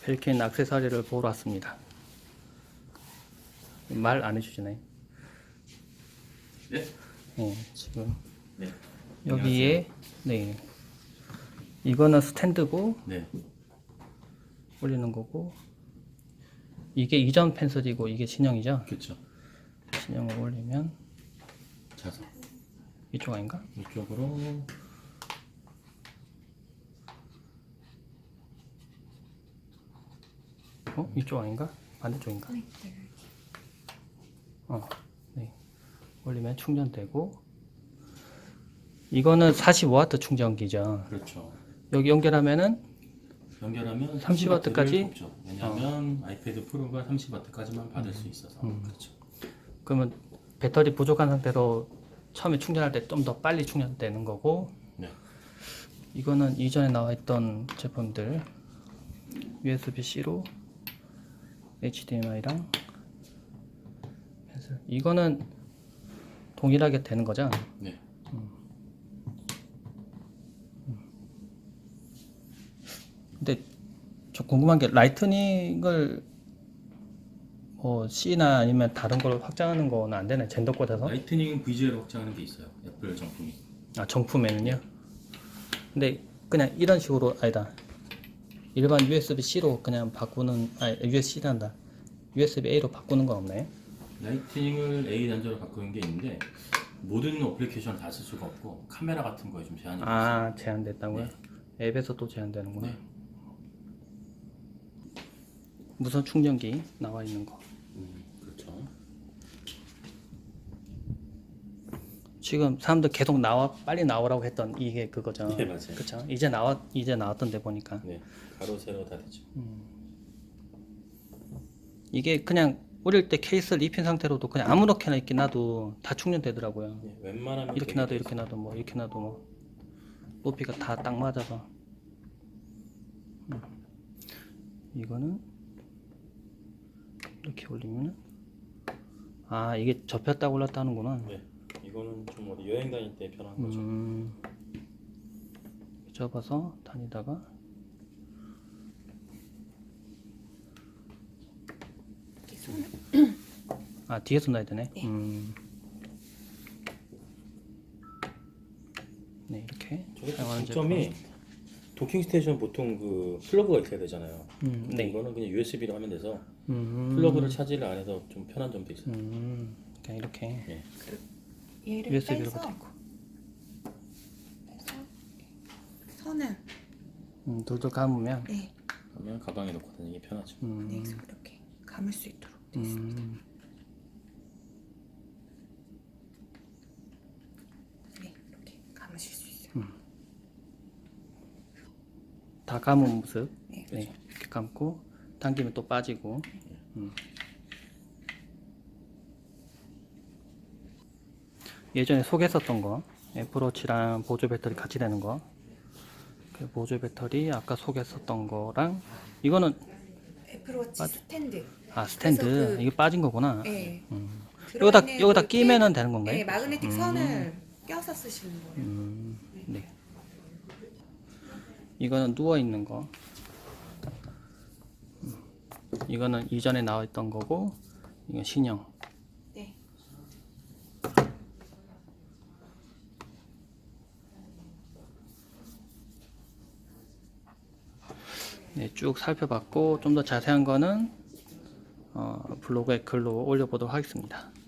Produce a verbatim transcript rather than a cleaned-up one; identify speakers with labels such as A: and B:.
A: 벨킨 액세서리를 보러 왔습니다. 말 안 해주시나요?
B: 네?
A: 네, 지금
B: 네.
A: 여기에 네 이거는 스탠드고
B: 네.
A: 올리는 거고, 이게 이전 펜슬이고 이게 진영이죠.
B: 그렇죠.
A: 진영을 올리면
B: 자석
A: 이쪽 아닌가?
B: 이쪽으로
A: 어? 이쪽 아닌가? 반대쪽인가?
C: 네.
A: 어, 네. 올리면 충전되고, 이거는 사십오 와트 충전기죠.
B: 그렇죠.
A: 여기 연결하면은
B: 연결하면
A: 삼십 와트까지?
B: 죠 왜냐하면 아이패드 프로가 삼십 와트까지만 받을 수 있어서.
A: 음.
B: 그렇죠.
A: 그러면 배터리 부족한 상태로 처음에 충전할 때 좀 더 빨리 충전되는 거고,
B: 네.
A: 이거는 이전에 나와 있던 제품들 유에스비-C로 에이치디엠아이랑 펜슬, 이거는 동일하게 되는 거죠?
B: 네.
A: 근데 저 궁금한 게, 라이트닝을 뭐 C나 아니면 다른 걸 확장하는 거는 안 되나요? 젠더 꽂아서?
B: 라이트닝 브이지에이로 확장하는 게 있어요. 애플 정품이.
A: 아, 정품에는요? 근데 그냥 이런 식으로, 아니다, 일반 유에스비-C로 그냥 바꾸는, 아, 유에스비-C란다, 유에스비-A로 바꾸는 건 없나요?
B: 라이트닝을 A 단자로 바꾸는 게 있는데 모든 어플리케이션을 다 쓸 수가 없고 카메라 같은 거에 좀 제한이 있어요.
A: 아, 제한됐다고요?
B: 네.
A: 앱에서 또 제한되는구나.
B: 네.
A: 무선 충전기 나와 있는 거.
B: 음, 그렇죠.
A: 지금 사람들 계속 나와, 빨리 나오라고 했던 이게 그거죠.
B: 네, 맞아요.
A: 그쵸? 이제 나왔, 이제 나왔던데 보니까.
B: 네. 가로 세로 다 되죠.
A: 이게 그냥 올릴 때 케이스를 입힌 상태로도 그냥 아무렇게나 이렇게 놔도 다 충전되더라고요.
B: 네. 웬만하면
A: 이렇게
B: 되게
A: 놔도
B: 돼
A: 이렇게 놔도 뭐 이렇게 놔도 뭐 높이가 다 딱 맞아서. 음. 이거는 이렇게 올리면은, 아, 이게 접혔다 올랐다 하는구나.
B: 네. 이거는 좀 어디 여행 다닐 때 편한 거죠.
A: 음, 접어서 다니다가
C: 이렇게 손을
A: 아, 뒤에서 놔야 되네.
C: 네.
A: 음. 네, 이렇게
B: 저게
A: 사용하는
B: 장점이
A: 제품.
B: 도킹 스테이션 보통 그 플러그가 있어야 되잖아요.
A: 음,
B: 근데
A: 네.
B: 이거는 그냥 유에스비로 하면 돼서
A: 음,
B: 플러그를 차지를 안 해서 좀 편한 점도 있어요.
A: 음, 그냥 이렇게
B: 예.
C: 얘를
A: 유에스비로
C: 빼서
A: 붙어 있고,
C: 빼서 선을
A: 음, 돌돌 감으면,
C: 네,
B: 그러면 가방에 넣고 다니기 편하죠.
A: 음,
C: 네, 이렇게 감을 수 있도록 되어 있습니다.
A: 음,
C: 네, 이렇게 감으실 수 있어요.
A: 다 감은 모습.
C: 네,
A: 네, 이렇게 감고 당기면 또 빠지고. 음. 예전에 소개했었던 거, 애플워치랑 보조 배터리 같이 되는 거, 그 보조 배터리 아까 소개했었던 거랑, 이거는
C: 애플워치 스탠드.
A: 아, 스탠드.
C: 그래서 그-
A: 이게 빠진 거구나.
C: 네.
A: 음.
C: 들어있는
A: 여기다 여기다
C: 그
A: 끼면은
C: 케이블-
A: 되는 건가요?
C: 네, 마그네틱
A: 음.
C: 선을 껴서 쓰시는 거예요.
A: 음, 네. 이거는 누워 있는 거. 음. 이거는 이전에 나와 있던 거고, 이건 신형.
C: 네.
A: 네, 쭉 살펴봤고, 좀 더 자세한 거는 어, 블로그에 글로 올려보도록 하겠습니다.